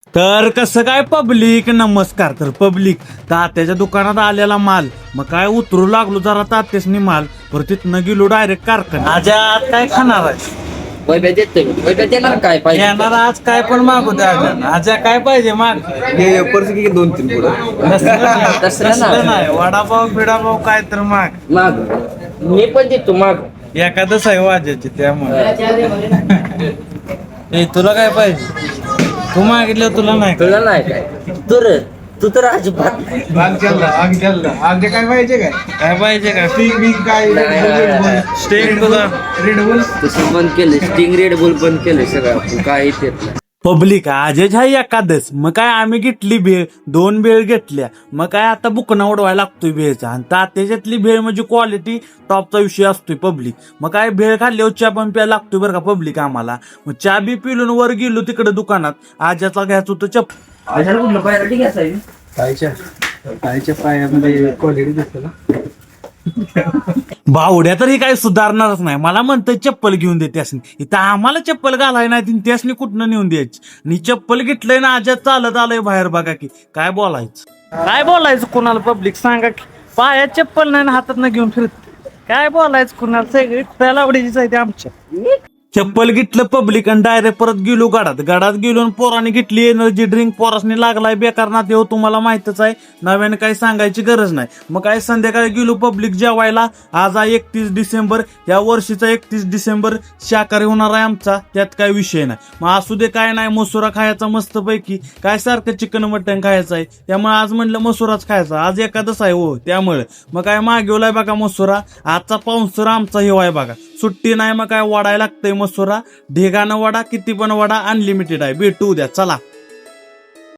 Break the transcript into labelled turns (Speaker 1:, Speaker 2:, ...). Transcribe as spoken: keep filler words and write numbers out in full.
Speaker 1: तर कसं काय पब्लिक, नमस्कार. तर पब्लिक, तात्याच्या दुकानात आलेला माल, मग काय उतरू लागलो जरा तात्यासनी माल, पर तिथनं गेलो डायरेक्ट कारखाना. आज आत काय खाणार आहे?
Speaker 2: वैभ्या देतोय वैभ्या देणार काय पाहिजे
Speaker 1: येणार आज काय पण मागू द्या. आज काय पाहिजे माग.
Speaker 3: हे पर्स की दोन तीन पुढं
Speaker 1: तसलं
Speaker 2: तसलं
Speaker 1: नाही, वडापाव बिडापाव काय तर माग.
Speaker 2: माग मी पण देतो माग
Speaker 1: एखादच आहे वाजायची त्यामुळे. ए तुला काय पाहिजे? तू मागितलं तुला नाही का?
Speaker 2: तुला नाही काय तू रे तू तर अजिबात नाही.
Speaker 3: आग चालला आग चालला आग काय पाहिजे काय
Speaker 1: काय पाहिजे का?
Speaker 3: स्टिंग बिंग काय
Speaker 1: स्टेक तुला.
Speaker 3: रेड बुल
Speaker 2: तसं बंद केलं स्टिंग रेड बुल बंद केलं सगळं काय येत नाही.
Speaker 1: पब्लिक आजच आहे एकादस, मग काय आम्ही घेतली भेळ, दोन भेळ घेतल्या, मग काय आता बुकना उडवायला लागतोय भेळचा. आणि तात्याच्यातली भेळ म्हणजे क्वालिटी टॉपचा विषय असतोय पब्लिक. मग काय भेळ खाल्ल्यावर चहा पण प्यायला लागतोय बरं का पब्लिक आम्हाला. मग चहा बी पिलून वर गेलो तिकडे दुकानात, आज्याचा घ्यायचं होतं चप.
Speaker 2: कुठलं पाहिजे ठीक आहे
Speaker 3: कायच्या कायच्या पायामध्ये क्वालिटी दिसते ना.
Speaker 1: भावड्या तर ही काही सुधारणारच नाही. मला म्हणतं चप्पल घेऊन दे त्यासनी. इथं आम्हाला चप्पल घालाय नाही, त्यासनी कुठनं नेऊन द्यायची. आणि चप्पल घेतलंय ना आज्यात चालत आलंय बाहेर, बघा की काय बोलायचं. काय बोलायचं कुणाला पब्लिक सांगा की? पायात चप्पल नाही ना हातात न घेऊन फिरत, काय बोलायचं कुणाला? सगळी त्याला आवडीचीच आहे ते आमच्या. चप्पल घेतलं पब्लिक आणि डायरेक्ट परत गेलो गाडात. गाडात गेलो आणि पोराने घेतली एनर्जी ड्रिंक. पोरासनी लागलाय बेकार ना देव, तुम्हाला माहितच आहे, नव्याने काही सांगायची गरज नाही. मग काय संध्याकाळी गेलो पब्लिक जेवायला. आज आहे एकतीस डिसेंबर, या वर्षीचा एकतीस डिसेंबर शाकाहारी होणार आहे आमचा, त्यात काय विषय नाही. मग असू दे काय नाही, मसुरा खायचा मस्त पैकी. काय सारखं चिकन मटन खायचं आहे, त्यामुळे आज म्हणलं मसुराच खायचा. आज एखादच आहे हो, त्यामुळे मग काय मागवलाय बघा मसुरा. आजचा पाऊसर आमचा हे आहे बघा, सुट्टी नाही. मग काय वाढायला लागतंय मसुरा, ढेगानं वडा, किती पण वडा, अनलिमिटेड आहे. भेटू उद्या, चला.